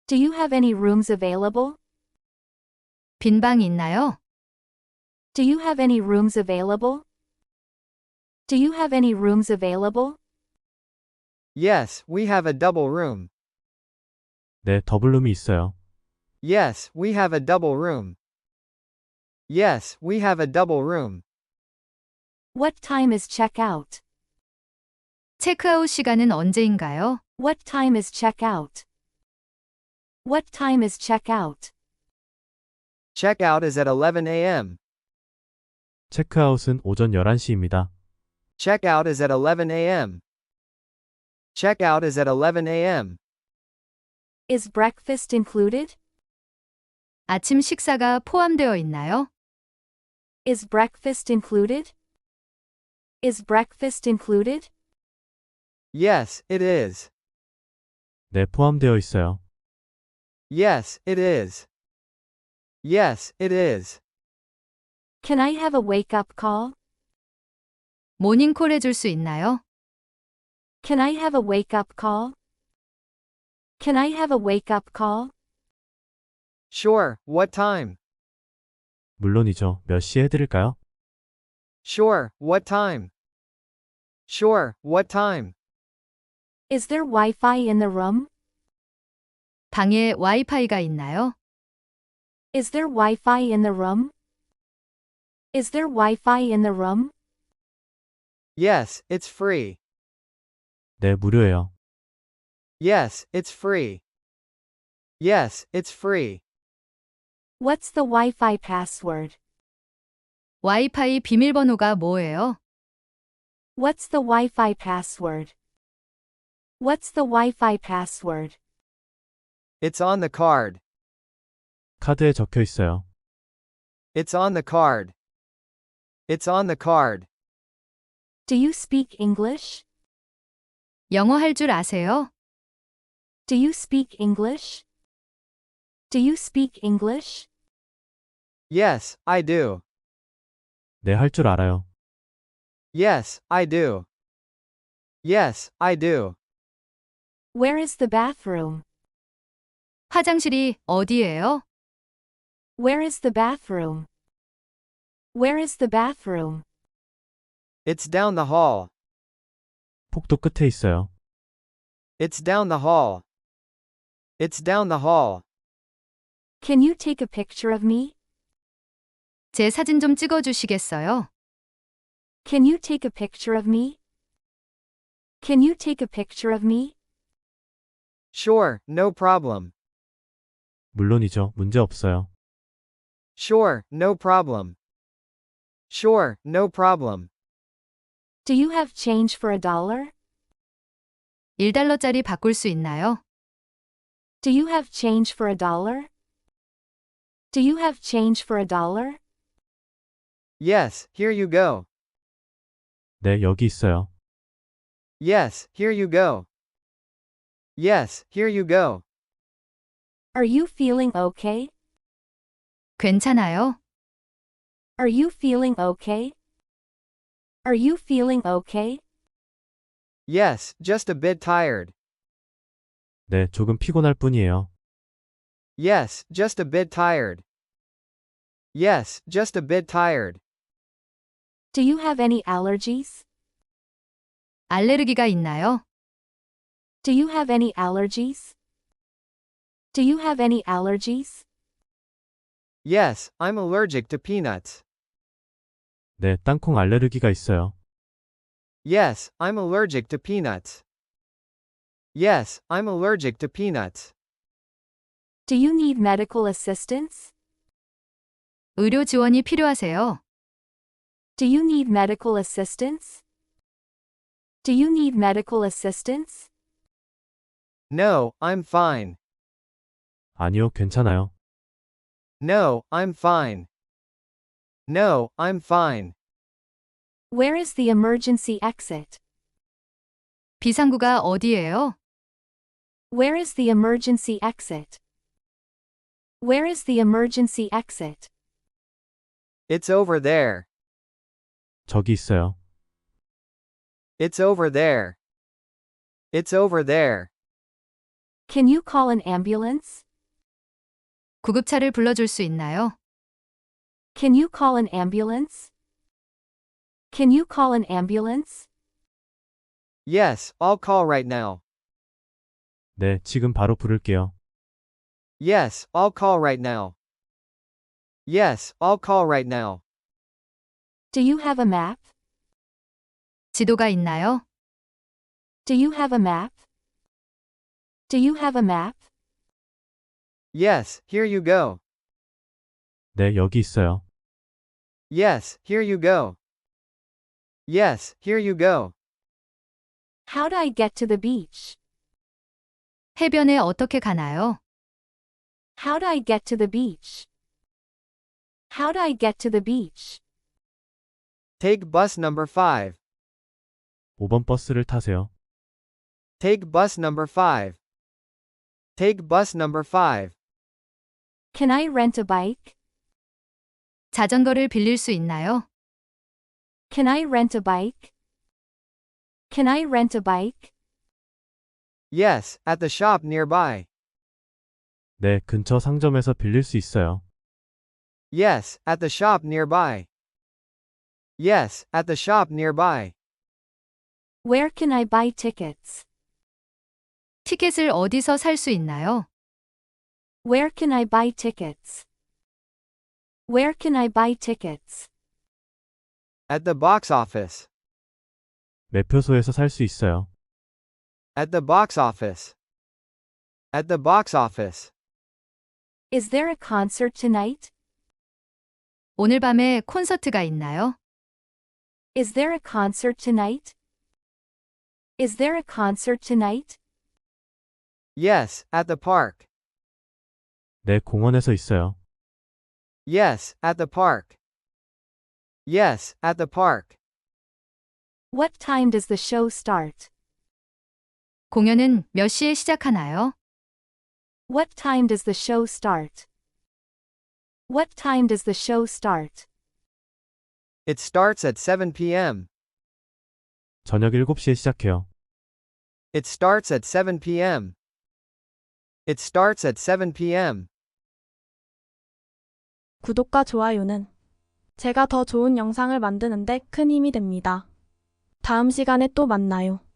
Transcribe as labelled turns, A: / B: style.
A: Do you have any rooms available?
B: 빈 방이 있나요?
A: Do you have any rooms available? Do you have any rooms available?
C: Yes, we have a double room.
D: 네, 더블룸이 있어요.
C: Yes, we have a double room. Yes, we have a double room.
A: What time is checkout?
B: 체크아웃 시간은 언제인가요?
A: What time is checkout? What time is checkout?
C: Checkout is at 11 a.m.
D: 체크아웃은 오전 11시입니다.
C: Checkout is at 11 a.m. Checkout is at 11 a.m.
A: Is breakfast included?
B: 아침 식사가 포함되어 있나요?
A: Is breakfast included? Is breakfast included?
C: Yes, it is.
D: 네, 포함되어 있어요.
C: Yes, it is. Yes, it is.
A: Can I have a wake-up call?
B: 모닝콜 해줄 수 있나요?
A: Can I have a wake-up call? Can I have a wake-up call?
C: Sure, what time?
D: 물론이죠. 몇 시에 해드릴까요?
C: Sure, what time? Sure, what time?
A: Is there Wi-Fi in the room?
B: 방에 와이파이가 있나요?
A: Is there Wi-Fi in the room? Is there Wi-Fi in the room?
C: Yes, it's free.
D: 네, 무료예요.
C: Yes, it's free. Yes, it's free.
A: What's the Wi-Fi password?
B: 와이파이 비밀번호가 뭐예요?
A: What's the Wi-Fi password? What's the Wi-Fi password?
C: It's on the card.
D: 카드에 적혀 있어요.
C: It's on the card. It's on the card.
A: Do you speak English?
B: 영어 할 줄 아세요?
A: Do you speak English? Do you speak English?
C: Yes, I do.
D: 네, 할 줄 알아요.
C: Yes, I do. Yes, I do.
A: Where is the bathroom?
B: 화장실이 어디예요?
A: Where is the bathroom? Where is the bathroom?
C: It's down the hall.
D: 폭도 끝에 있어요.
C: It's down the hall. It's down the hall.
A: Can you take a picture of me?
B: 제 사진 좀 찍어 주시겠어요?
A: Can you take a picture of me? Can you take a picture of me?
C: Sure, no problem.
D: 물론이죠. 문제 없어요.
C: Sure, no problem. Sure, no problem.
A: Do you have change for $1?
B: 1달러짜리 바꿀 수 있나요?
A: Do you have change for $1? Do you have change for $1?
C: Yes, here you go.
D: 네, 여기 있어요.
C: Yes, here you go. Yes, here you go.
A: Are you feeling okay?
B: 괜찮아요?
A: Are you feeling okay? Are you feeling okay?
C: Yes, just a bit tired.
D: 네, 조금 피곤할 뿐이에요.
C: Yes, just a bit tired. Yes, just a bit tired.
A: Do you have any allergies?
B: 알레르기가 있나요?
A: Do you have any allergies? Do you have any allergies?
C: Yes, I'm allergic to peanuts.
D: 네, 땅콩 알레르기가 있어요.
C: Yes, I'm allergic to peanuts. Yes, I'm allergic to peanuts.
A: Do you need medical assistance?
B: 의료 지원이 필요하세요?
A: Do you need medical assistance? Do you need medical assistance?
C: No, I'm fine.
D: 아니요, 괜찮아요.
C: No, I'm fine. No, I'm fine.
A: Where is the emergency exit?
B: 비상구가 어디예요?
A: Where is the emergency exit? Where is the emergency exit?
C: It's over there.
D: 저기 있어요.
C: It's over there. It's over there.
A: Can you call an ambulance?
B: 구급차를 불러줄 수 있나요?
A: Can you call an ambulance? Can you call an ambulance?
C: Yes, I'll call right now.
D: 네, 지금 바로 부를게요.
C: Yes, I'll call right now. Yes, I'll call right now.
A: Do you have a map?
B: 지도가 있나요?
A: Do you have a map? Do you have a map?
C: Yes, here you go.
D: 네, 여기 있어요.
C: Yes, here you go. Yes, here you go.
A: How do I get to the beach?
B: 해변에 어떻게 가나요?
A: How do I get to the beach? How do I get to the beach?
C: Take bus number 5.
D: 5번 버스를 타세요.
C: Take bus number 5. Take bus number 5.
A: Can I rent a bike?
B: 자전거를 빌릴 수 있나요?
A: Can I rent a bike? Can I rent a bike?
C: Yes, at the shop nearby.
D: 네, 근처 상점에서 빌릴 수 있어요.
C: Yes, at the shop nearby. Yes, at the shop nearby.
A: Where can I buy tickets?
B: 티켓을 어디서 살 수 있나요?
A: Where can I buy tickets? Where can I buy tickets?
C: At the box office.
D: 매표소에서 살 수 있어요.
C: At the box office. At the box office.
A: Is there a concert tonight?
B: 오늘 밤에 콘서트가 있나요?
A: Is there a concert tonight? Is there a concert tonight?
C: Yes, at the park.
D: 네, 공원에서 있어요.
C: Yes, at the park. Yes, at the park.
A: What time does the show start?
B: 공연은 몇 시에 시작하나요?
A: What time does the show start? What time does the show start?
C: It starts at 7 p.m.
D: 저녁 7시에 시작해요.
C: It starts at 7 p.m. It starts at 7 p.m.
E: 구독과 좋아요는 제가 더 좋은 영상을 만드는데 큰 힘이 됩니다. 다음 시간에 또 만나요.